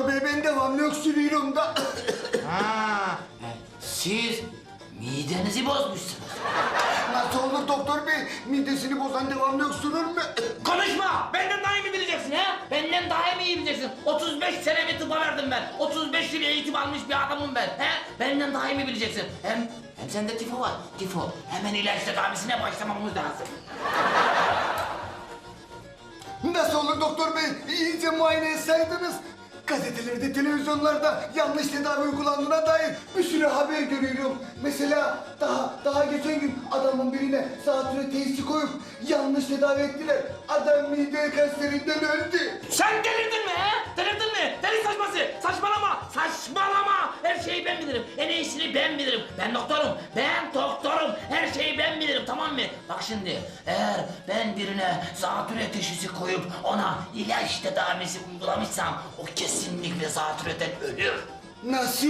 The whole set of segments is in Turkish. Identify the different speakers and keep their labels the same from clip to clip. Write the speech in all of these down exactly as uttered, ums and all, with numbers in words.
Speaker 1: doktor bey ben devamlı öksürüyorum da.
Speaker 2: Ha, siz midenizi bozmuşsunuz.
Speaker 1: Nasıl olur doktor bey? Midesini bozan devamlı öksürür mü?
Speaker 2: Konuşma! Benden daha iyi mi bileceksin ha? Benden daha iyi mi iyi bileceksin? otuz beş senemi tıpa verdim ben. otuz beş yıl eğitim almış bir adamım ben. He? Benden daha iyi mi bileceksin? Hem hem sende tifo var. Tifo. Hemen ilaç tedavisine başlamamız lazım.
Speaker 1: Nasıl olur doktor bey? İyice muayene etseydiniz. Gazetelerde, televizyonlarda yanlış tedavi uygulandığına dair bir sürü haber görüyorum. Mesela daha daha geçen gün adamın birine zatürre teşhisi koyup yanlış tedavi ettiler. Adam mide kanserinden öldü.
Speaker 2: Sen delirdin mi he? Delirdin mi? Deli saçması! Saçmalama! Saçmalama! Her şeyi ben bilirim. En iyisini ben bilirim. Ben doktorum. Ben doktorum. Her şeyi ben bilirim, tamam mı? Bak şimdi, eğer ben birine zatürre teşhisi koyup ona ilaç tedavisi uygulamışsam o kesinlikle zatürreden ölür.
Speaker 1: Nasıl?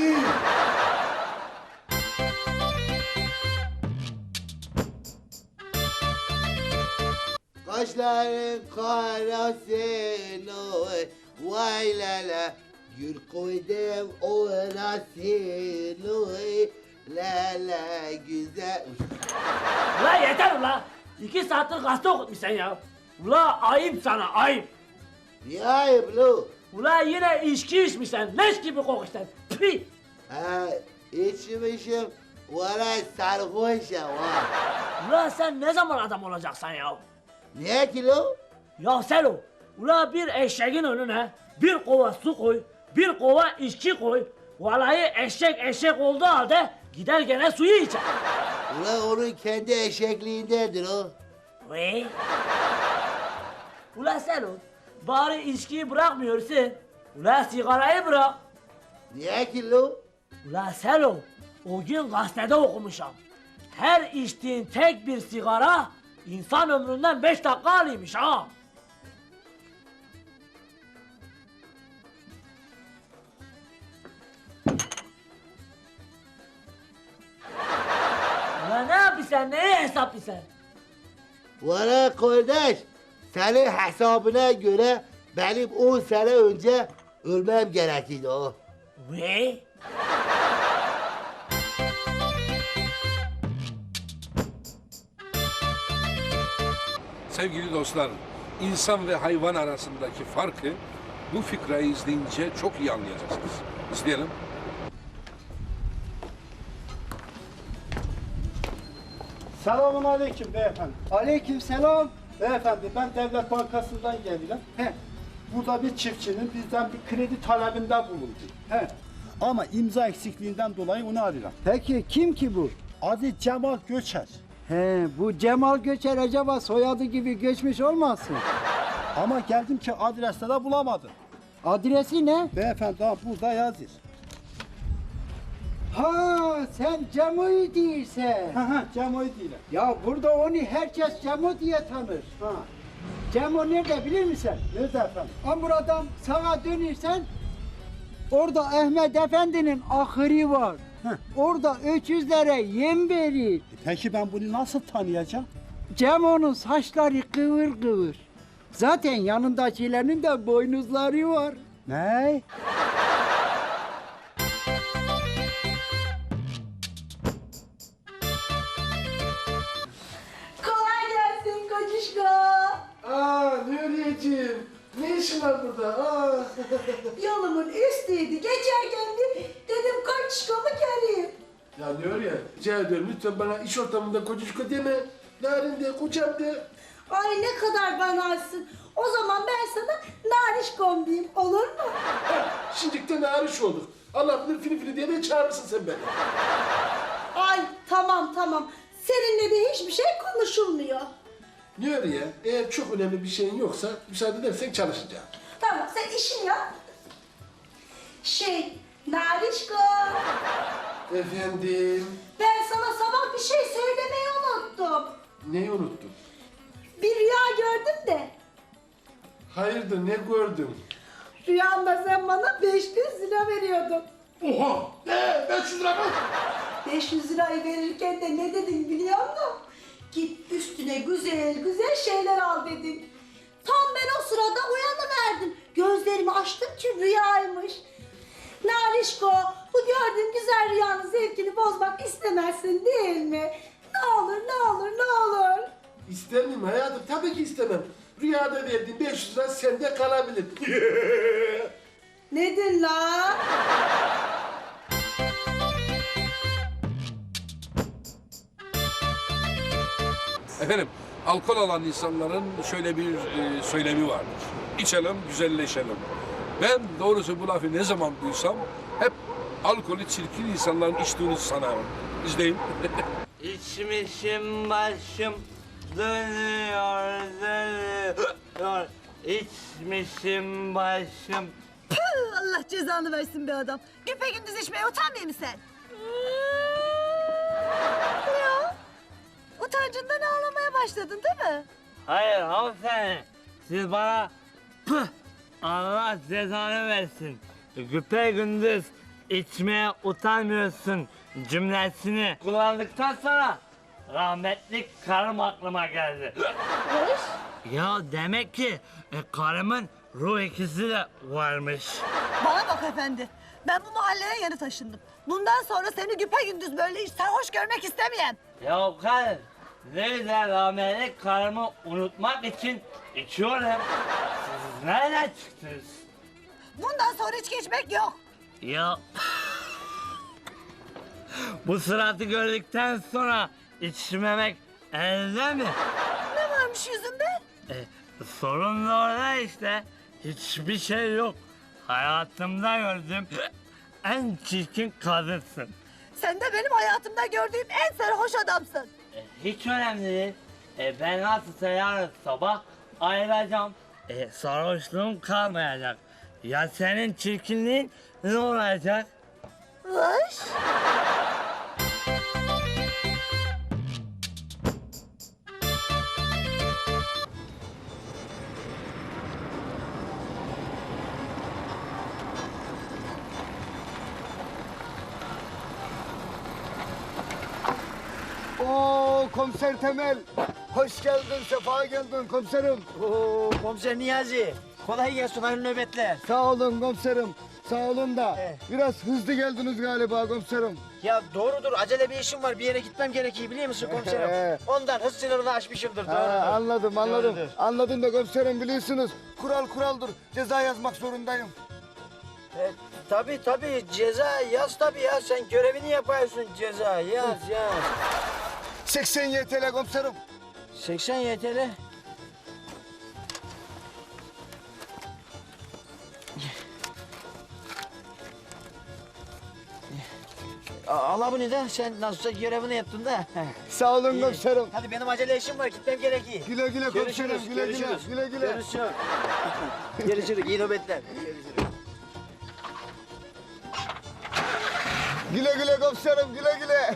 Speaker 3: Kaşların karasın oy, vay la la. Gül koydum orasın oy, la la güzel.
Speaker 4: Ula yeter ula! İki saattir gazete okutmuşsun ya. Ula ayıp sana, ayıp.
Speaker 3: Ne ayıp lo?
Speaker 4: Ula yine içki içmişsin, leş gibi kokuşsun. Pih!
Speaker 3: Ha, içmişim, valla sarhoşum ha.
Speaker 4: Ula sen ne zaman adam olacaksın ya?
Speaker 3: Ne ki lo?
Speaker 4: Ya Selo, ula bir eşeğin önüne bir kova su koy, bir kova içki koy. Vallahi eşek eşek olduğu halde gider gene suyu içer.
Speaker 3: Ulan onun kendi eşekliğindendir o.
Speaker 4: Ve? Ula Selo, bari içkiyi bırakmıyorsun. Ula sigarayı bırak.
Speaker 3: Niye ki lo?
Speaker 4: Ula Selo, o gün gazetede okumuşam. Her içtiğin tek bir sigara insan ömründen beş dakika alıymış ha. Ula ne yapıyorsun, neyi hesaplıyorsun?
Speaker 3: Valla kardeş, senin hesabına göre benim on sene önce ölmem gerekirdi o.
Speaker 4: Ve?
Speaker 5: Sevgili dostlar, insan ve hayvan arasındaki farkı bu fikrayı izleyince çok iyi anlayacaksınız. İzleyelim.
Speaker 6: Selamun aleyküm beyefendi.
Speaker 7: Aleyküm selam.
Speaker 6: Beyefendi ben Devlet Bankası'ndan geliyorum.
Speaker 7: He.
Speaker 6: Burada bir çiftçinin bizden bir kredi talebinde bulundu.
Speaker 7: He.
Speaker 6: Ama imza eksikliğinden dolayı onu arıyorum.
Speaker 7: Peki kim ki bu?
Speaker 6: Adı Cemal Göçer.
Speaker 7: He, bu Cemal Göçer acaba soyadı gibi göçmüş olmasın?
Speaker 6: Ama geldim ki adreste de bulamadım.
Speaker 7: Adresi ne?
Speaker 6: Beyefendi ha burada yazıyor.
Speaker 7: Ha, sen Cemo'yu değilsen.
Speaker 6: Ha ha Cemal değil.
Speaker 7: Ya burada onu herkes Cemo diye tanır.
Speaker 6: Ha.
Speaker 7: Cemo nerede bilir misin?
Speaker 6: Nerede efendim?
Speaker 7: Ha buradan sağa dönürsen orada Ahmet Efendi'nin ahırı var.
Speaker 6: Heh.
Speaker 7: Orada öküzlere yem verir.
Speaker 6: E peki ben bunu nasıl tanıyacağım?
Speaker 7: Cemo'nun saçları kıvır kıvır. Zaten yanındakilerin de boynuzları var.
Speaker 6: Ne?
Speaker 8: Kolay gelsin kocuşko.
Speaker 9: Aa Nuriyeciğim, ne işin var burada? Aa.
Speaker 8: Yolumun üstüydü. Geçerken bir dedim kocuşkomu göreyim.
Speaker 9: Ya Nuriye, rica ediyorum lütfen bana iş ortamında kocuşko deme. Narin de, kocam de.
Speaker 8: Ay ne kadar banarsın. O zaman ben sana narişkom diyeyim. Olur mu?
Speaker 9: Şimdi de nariş olduk. Allah bilir fili fili diye de çağırırsın sen beni.
Speaker 8: Ay tamam tamam. Seninle de hiçbir şey konuşulmuyor.
Speaker 9: Nuriye, eğer çok önemli bir şeyin yoksa müsaade edersen çalışacağım.
Speaker 8: Tamam sen işini yap. Şey, narişko.
Speaker 9: Efendim,
Speaker 8: Ben sana sabah bir şey söylemeyi unuttum.
Speaker 9: neyi unuttun?
Speaker 8: Bir rüya gördüm de.
Speaker 9: Hayırdır, ne gördün?
Speaker 8: Rüyamda sen bana beş yüz lira veriyordun.
Speaker 9: Oha! Ne? beş yüz lira mı?
Speaker 8: beş yüz lirayı verirken de ne dedin biliyor musun? Git üstüne güzel güzel şeyler al dedin. Tam ben o sırada uyanıverdim. Gözlerimi açtım ki rüyaymış. Narişko, bu gördüğün güzel rüyanın zevkini bozmak istemezsin değil mi? Ne olur, ne olur, ne olur.
Speaker 9: İstemem hayatım, tabii ki istemem. Rüyada verdiğin beş yüz lira sende kalabilir.
Speaker 8: Nedir la?
Speaker 5: Efendim, alkol alan insanların şöyle bir e, söylemi vardır. İçelim, güzelleşelim. Ben doğrusu bu lafı ne zaman duysam hep alkolü çirkin insanların içtiğini sanarım. İzleyin.
Speaker 4: İçmişim başım dönüyor dönüyor. İçmişim başım.
Speaker 10: Allah cezanı versin be adam. Güpe gündüz içmeye utanmıyor musun sen? Ne o? Utancından ağlamaya başladın değil mi?
Speaker 4: Hayır hanımefendi. Siz bana pıh Allah cezanı versin. Güpe gündüz içmeye utanmıyorsun cümlesini kullandıktan sonra rahmetli karım aklıma geldi. Ya demek ki e, karımın ruh ikisi de varmış.
Speaker 10: Bana bak efendi. Ben bu mahalleye yeni taşındım. Bundan sonra seni güpe gündüz böyle hiç sarhoş görmek istemeyen.
Speaker 4: Ya karım, nerede rahmetli karımı unutmak için içiyorum. Siz nereden çıktınız?
Speaker 10: Bundan sonra içki içmek yok.
Speaker 4: Ya bu suratı gördükten sonra içmemek elde mi?
Speaker 10: Ne varmış yüzünde?
Speaker 4: E, sorun da orada işte. Hiçbir şey yok. Hayatımda gördüğüm en çirkin kadınsın.
Speaker 10: Sen de benim hayatımda gördüğüm en sarhoş adamsın.
Speaker 4: E, hiç önemli değil. E, ben nasılsa yarın sabah ayrılacağım. E, sarhoşluğum kalmayacak. Ya senin çirkinliğin ne olacak?
Speaker 10: Vış.
Speaker 1: Oo komiser Temel. Hoş geldin, sefa geldin komiserim.
Speaker 7: Oo komiser Niyazi. Kolay gelsin, hayırlı nöbetler.
Speaker 1: Sağ olun komiserim. Sağ olun da
Speaker 7: He.
Speaker 1: biraz hızlı geldiniz galiba komiserim.
Speaker 7: Ya doğrudur, acele bir işim var. Bir yere gitmem gerekiyor biliyor musun komiserim?
Speaker 1: He.
Speaker 7: Ondan hız sınırını aşmışımdır,
Speaker 1: Ha,
Speaker 7: doğrudur.
Speaker 1: anladım anladım.
Speaker 7: Doğrudur.
Speaker 1: Anladım da komiserim biliyorsunuz. Kural kuraldır. Ceza yazmak zorundayım.
Speaker 7: E, tabii tabii, ceza yaz tabii ya. Sen görevini yapıyorsun, ceza yaz yaz.
Speaker 1: seksen Y T L komiserim.
Speaker 7: seksen Y T L. Al bunu da, sen nasılsa görevini yaptın da.
Speaker 1: Sağ olun
Speaker 7: İyi.
Speaker 1: komiserim.
Speaker 7: Hadi benim acele işim var, gitmem gerekiyor.
Speaker 1: Güle güle komiserim.
Speaker 7: Görüşürüz,
Speaker 1: Güle güle.
Speaker 7: görüşürüz.
Speaker 1: Güle güle.
Speaker 7: Görüşürüz. Görüşürüz, iyi nöbetler.
Speaker 1: Güle güle komiserim. Güle güle.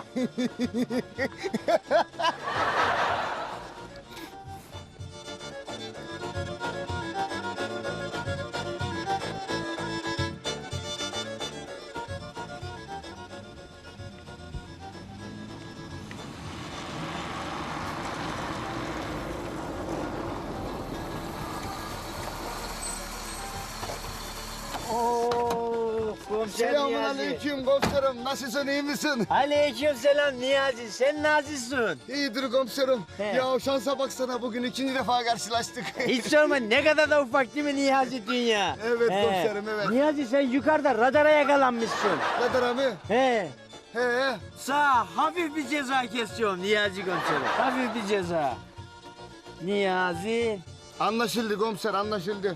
Speaker 7: Oo, komiser
Speaker 1: Selamun
Speaker 7: Niyazi.
Speaker 1: aleyküm komiserim. Nasılsın, iyi misin?
Speaker 7: Aleyküm selam Niyazi. Sen nazissin.
Speaker 1: İyidir komiserim.
Speaker 7: He.
Speaker 1: Ya şansa baksana, bugün ikinci defa karşılaştık.
Speaker 7: Hiç sorma, ne kadar da ufak değil mi Niyazi dünya?
Speaker 1: Evet komiserim, evet.
Speaker 7: Niyazi sen yukarıda radara yakalanmışsın.
Speaker 1: Kadir abi.
Speaker 7: He.
Speaker 1: He.
Speaker 7: Sağ hafif bir ceza kesiyorum Niyazi komiserim. Hafif bir ceza. Niyazi.
Speaker 1: Anlaşıldı komiser, anlaşıldı.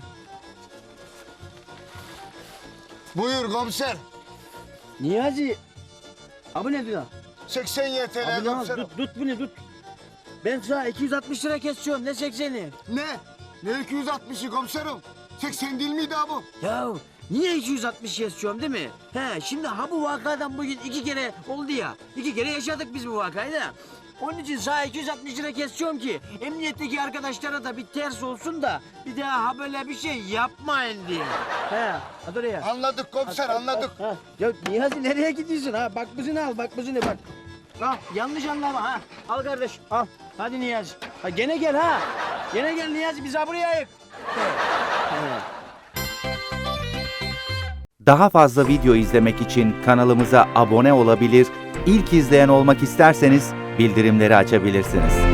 Speaker 1: Buyur komiser.
Speaker 7: Niyazi. Abi ne diyor?
Speaker 1: seksen Y T L
Speaker 7: Abi ne
Speaker 1: komiserim.
Speaker 7: tut, tut bunu tut. Ben sana iki yüz altmış lira kesiyorum, ne sekseni?
Speaker 1: Ne? Ne iki yüz altmışı komiserim? seksen değil miydi abi?
Speaker 7: Ya niye iki yüz altmış kesiyorum değil mi? He, şimdi ha bu vakadan bugün iki kere oldu ya. İki kere yaşadık biz bu vakayı da. Onun için sana iki yüz altmış lira kesiyorum ki emniyetteki arkadaşlara da bir ters olsun da bir daha ha böyle bir şey yapmayın diye. He, hadi oraya.
Speaker 1: Anladık komiser, anladık.
Speaker 7: Ha, ya Niyazi nereye gidiyorsun ha? Bak buzunu al, bak buzunu bak. Al, yanlış anlama ha. Al kardeş, al. Hadi Niyazi. Ha, gene gel ha. Gene gel Niyazi, biz ha buraya ayık.
Speaker 11: Daha fazla video izlemek için kanalımıza abone olabilir, ilk izleyen olmak isterseniz bildirimleri açabilirsiniz.